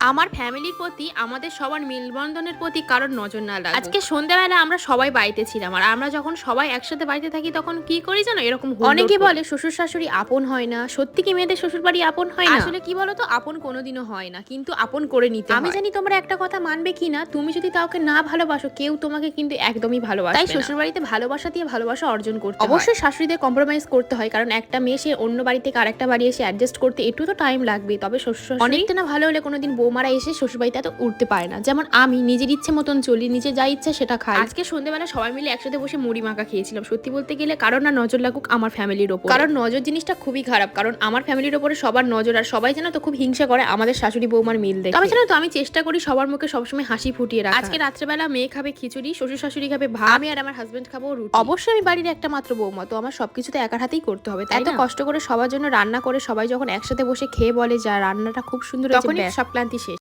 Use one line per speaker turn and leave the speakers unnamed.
আমার ফ্যামিলির প্রতি, আমাদের সবার মেলবন্ধনের প্রতি কারোর নজর না লাগুক। আজকে সন্ধ্যাবেলা আমরা সবাই বাড়িতে ছিলাম, আর আমরা যখন সবাই একসাথে বাড়িতে থাকি তখন কি করি জানো, এরকম অনেকে বলে শ্বশুর শাশুড়ি আপন হয় না। সত্যি কি মেয়েদের শ্বশুর বাড়ি আপন হয় না? আসলে কি বলতো, আপন কোনোদিনও হয় না, কিন্তু আপন করে নিতে হয়। আমি জানি তোমরা একটা কথা মানবে কি না, তুমি যদি কাউকে না ভালোবাসো, কেউ তোমাকে কিন্তু একদমই ভালোবাসবে না। তাই শ্বশুর বাড়িতে ভালোবাসা দিয়ে ভালোবাসা অর্জন করতে হয়। অবশ্যই শাশুড়িদের কম্প্রোমাইজ করতে হয়, কারণ একটা মেয়ে সে অন্য বাড়ি থেকে আরেকটা বাড়ি এসে অ্যাডজাস্ট করতে একটু তো টাইম লাগবে। তবে শ্বশুর অনেকটা না ভালো হলে কোনোদিন বৌমারা এসে শ্বশুরবাড়িতে এত উঠতে পারে না। যেমন আমি নিজের ইচ্ছে মতন চলি, নিজে যা ইচ্ছা সেটা খাই। আজকে সন্ধ্যেবেলা সবাই মিলে একসাথে বসে মুড়ি মাখা খেয়েছিলাম। সত্যি বলতে গেলে কারণ না নজর লাগুক আমার ফ্যামিলির ওপর, কারণ নজর জিনিসটা খুবই খারাপ। কারণ আমার ফ্যামিলির ওপরে সবার নজর, আর সবাই জানো তো খুব হিংসা করে আমাদের শাশুড়ি বৌমার মিল দেখে। আমি জানো তো, আমি চেষ্টা করি সবার মুখে সবসময় হাসি ফুটিয়ে রাখা। আজকে রাত্রেবেলা মেয়ে খাবে খিচুড়ি, শ্বশুর শাশুড়ি খাবে ভাত, আমি আর আমার হাজবেন্ড খাবো রুটি। অবশ্যই আমি বাড়ির একটা মাত্র বৌমা, তো আমার সবকিছুতে একার হাতেই করতে হবে। তাই তো কষ্ট করে সবার জন্য রান্না করে সবাই যখন একসাথে বসে খেয়ে বলে যা রান্নাটা খুব সুন্দর, তখনই সব ক্লান্তি